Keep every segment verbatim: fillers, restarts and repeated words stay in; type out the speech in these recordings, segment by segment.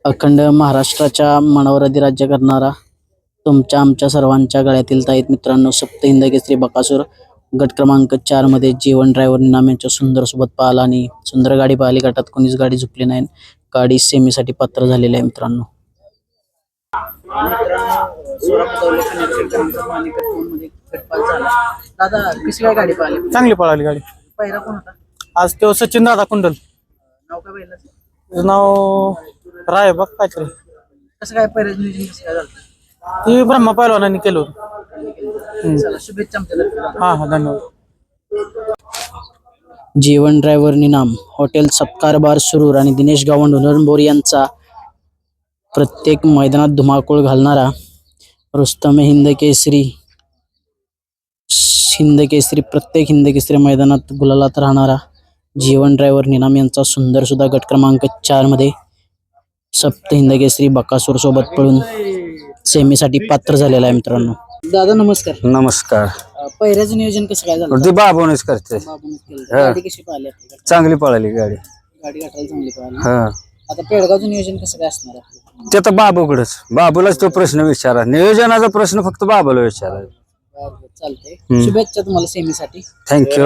अखंड महाराष्ट्राच्या मनावर अधिराज्य करणारा तुमच्या आमच्या सर्वांच्या गळ्यातील ताईत मित्रांनो, सप्त हिंद केसरी बकासूर गट क्रमांक चार मध्ये जीवन ड्रायव्हर नाम यांच्या सुंदर सोबत पाहिला आणि सुंदर गाडी पाहिली. गटात कोणीच गाडी झुकली नाही. गाडी सेमीसाठी पात्र झालेली आहे मित्रांनो. दादा कशी काय गाडी पाहिली? चांगली पळाली गाडी. पहिला कोण होता? आज तो सचिन दादा कुंडल. नाव काय पहिलं? त्याचं नाव राय बघ काहीतरी. कसं काय पहिलं नियोजन कसं काय झालं? ती ब्रह्मा पैलवानांनी केलं होतं. चला शुभेच्छा आमच्या. हा हा धन्यवाद. जीवन ड्रायव्हर निनाम हॉटेल सत्कार बार सुरूर आणि दिनेश गावंड हुनरंबोर यांचा प्रत्येक मैदानात धुमाकूळ घालणारा रुस्तम हिंद केसरी हिंद केसरी प्रत्येक हिंद केसरी मैदानात गुलालात राहणारा जीवन ड्रायव्हर निनाम यांचा सुंदर सुद्धा गट क्रमांक चार मध्ये सप्त हिंद केसरी बकासूर सोबत पळून सेमीसाठी पात्र झालेला आहे मित्रांनो. दादा नमस्कार. नमस्कार. पहिल्याचं नियोजन कसं काय झालं? ते बाबूनच करते. बाबूनच केलं. गाडी कशी पाहिली आपली? चांगली पळाली गाडी. गाडी घाटायला चांगली पाहिली. हा आता पेडगावचं नियोजन कसं काय असणार आहे? ते तर बाबूकडेच. बाबूलाच तो प्रश्न विचारा. नियोजनाचा प्रश्न फक्त बाबूला विचारा. चालतंय. शुभेच्छा तुम्हाला सेमीसाठी. थँक्यू.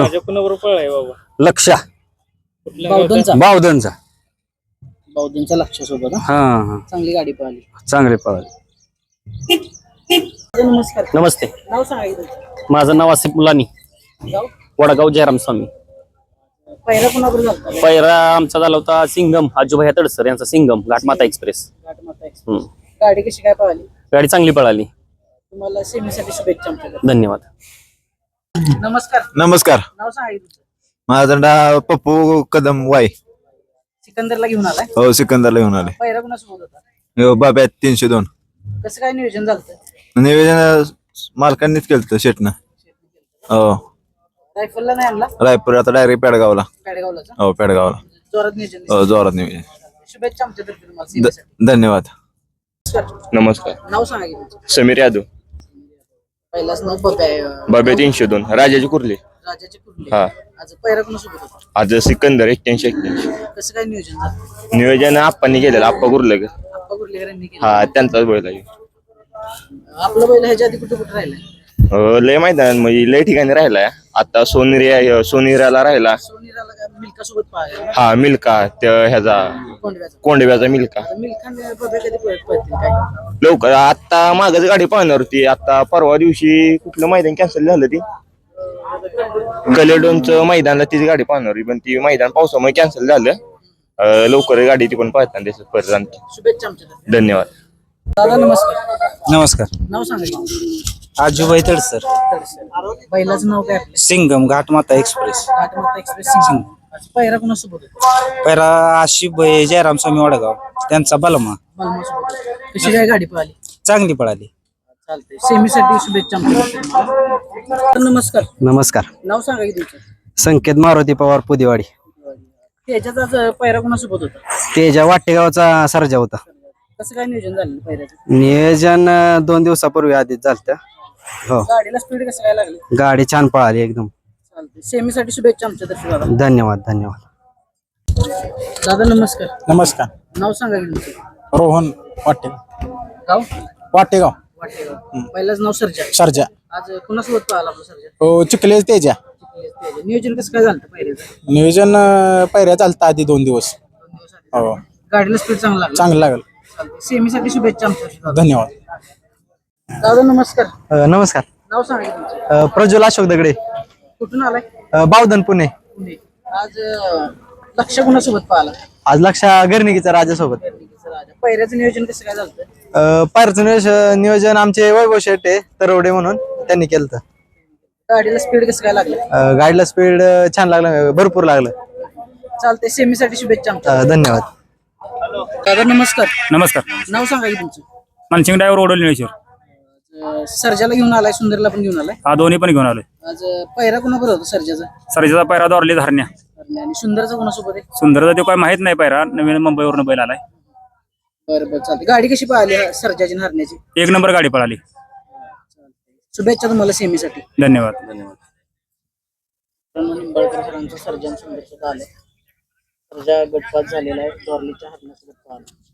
लक्षा बावधनचा बावधनचा बावधनचा लक्ष सोबत. हा हा चांगली गाडी पाहिली. चांगली पळाली. नमस्कार. नमस्ते. नाव सांगायचं. माझं नाव आसिफ मुलानी, गाव वडगाव जयराम स्वामी. पहिला कोणाबरोबर झालता? पहिला आमचा झाला होता सिंगम आजूभाई तडसर यांचा सिंगम घाटमाता एक्सप्रेस. घाटमाता एक्सप्रेस. गाडी कशी काय पाहिली? गाडी चांगली पळाली. तुम्हाला सेमीसाठी शुभेच्छा आमच्याकडे. धन्यवाद. नमस्कार. नमस्कार. नाव सांगायचं. माझं नाव पप्पू कदम वाय. सिकंदरला घेऊन आलाय. हो सिकंदरला घेऊन आले. पहिला कोणासोबत होता? हो, बाब्यात तीनशे दोन. कसं काय नियोजन झालं? निवेदन मालकांनीच केलं शेटनं. हो रायफलला नाही आणला. रायपूर आता डायरेक्ट पेडगावला. पेडगावलाच. हो पेडगावला. जोरात नियोजन. हो जोरात निवेदन. शुभेच्छा आमच्यातर्फे तुम्हाला ध- सेमीसाठी. धन्यवाद. नमस्कार. नाव सांगायचं तुमचं. समीर यादव. पहिलाच नाव बब्या आहे. बाबे तीनशे दोन राजाची कुर्ली. राजाचे कुर्ले. हा. आज पहिला कोणासोबत होता? आज सिकंदर एक्क्याऐंशी एक्क्याऐंशी. कसं काय नियोजन झालं? नियोजन आप्पांनी केलेलं. आप्पा कुर्ले. आप्पा कुर्लेकरांनी केलं. हा त्यांचाच बैल आहे. आपलं बैल ह्याच्या आधी कुठे कुठे राहिलं? अं, लय मैदान म्हणजे लय ठिकाणी राहिलाय. आता सोनेरिया सोनेराला राहिला. सोनीराला काय मिल्का सोबत पाहिलं. हा मिल्का त्या ह्याचा कोंडव्याचा. कोंडव्याचा मिल्का. मिल्खाने बब्या कधी पळत पळतील काय? लवकर आता मागच गाडी पाहणार होती. आता परवा दिवशी कुठलं मैदान कॅन्सल झालं ती कलेडोनचं मैदानला तिची गाडी पाहणार होती, पण ती मैदान पावसामुळे कॅन्सल झालं. अं, लवकर गाडी ती पण पाहताना दिसत परत. शुभेच्छा आमच्यातर्फे. धन्यवाद. दादा नमस्कार. नमस्कार. नाव सांगायचं. आजूबाई तडसर. बैलाचं नाव काय आपलं? सिंगम घाटमाता एक्सप्रेस. घाटमाता एक्सप्रेस सिंग. आज पहिला कोणासोबत होता? पैरा आशिफ जयराम स्वामी वडगाव त्यांचा बलमा. बलमासोबत होता. कशी काय गाडी पाहिली? चांगली पळाली. चालतंय. सेमीसाठी शुभेच्छा आमच्यातर्फे तुम्हाला. नमस्कार. नमस्कार. नाव सांगा की तुमचं. संकेत मारुती पवार पुदेवाडी. त्याच्यात आज पहिला कोणासोबत होता? तेजा वाटेगावचा सर्जा होता. कसं काय नियोजन झालं पहिल्याचं? नियोजन अं, दोन दिवसापूर्वी आधीच झालं. हो गाडीला स्पीड कसं काय लागली? गाडी छान पळाली एकदम. चालतंय. सेमीसाठी शुभेच्छा आमच्यातर्फे दादा. धन्यवाद धन्यवाद. दादा नमस्कार. नमस्कार. नाव सांगा की तुमचं. रोहन वाटे गाव वाटेगाव वाटेगाव. पहिलाच नाव सर्जा. सर्जा. आज कुणासोबत पाहिला आपला सर्जा? हो चिखले तेजा. नियोजन कसं काय झालं पहिल्याचं? नियोजन अं, पहिऱ्या चालतं आधी दोन दिवस. हो गाडीला स्पीड चांगला लागला. चांगलं लागलं. चालतंय. सेमीसाठी शुभेच्छा आमच्या. धन्यवाद. दादा नमस्कार. नमस्कार. नाव सांगा की तुमचं. प्रज्वल अशोक दगडे. कुठून आलाय? बावधन पुणे. पुणे. आज अं, लक्ष कुणासोबत पाहिला? आज लक्षा गर्णिकीचा राजासोबत. पहिल्याचं नियोजन कसं काय झालं? पायरचं नियोजन आमचे वैभव शेटे तरवडे म्हणून त्यांनी केलं. गाडीला स्पीड कसं काय लागलं? गाडीला स्पीड छान लागलं, भरपूर लागलं. चालतंय. सेमीसाठी शुभेच्छा आमच्या. धन्यवाद. दादा नमस्कार. नमस्कार. नाव सांगा की तुमचं. मानसिंग ड्रायव्हर ओढवली निळेश्वर. अं, सर्जाला घेऊन आलाय, सुंदरला पण घेऊन आलाय. हा दोन्ही पण घेऊन आलोय. आज अं, पहिला कोणाबरोबर होता सर्जाचा? सरजेचा पैरा दौरली धारण्या. आणि सुंदरचा कोणासोबत आहे? सुंदरचा तो काय माहित नाही पैरा, नवीन मुंबईवरून बैल आलाय. बरं बरं चालते. गाडी कशी पाहिली सर्जाची हरण्याची? एक नंबर गाडी पळाली. शुभेच्छा तुम्हाला सेमीसाठी. धन्यवाद. धन्यवाद. निंबाळकर सरांचा सर्जन सुंदर सुद्धा आले. सर्जा गटपात झालेला आहे. डॉर्लीच्या हरण्यासोबत पाहिला.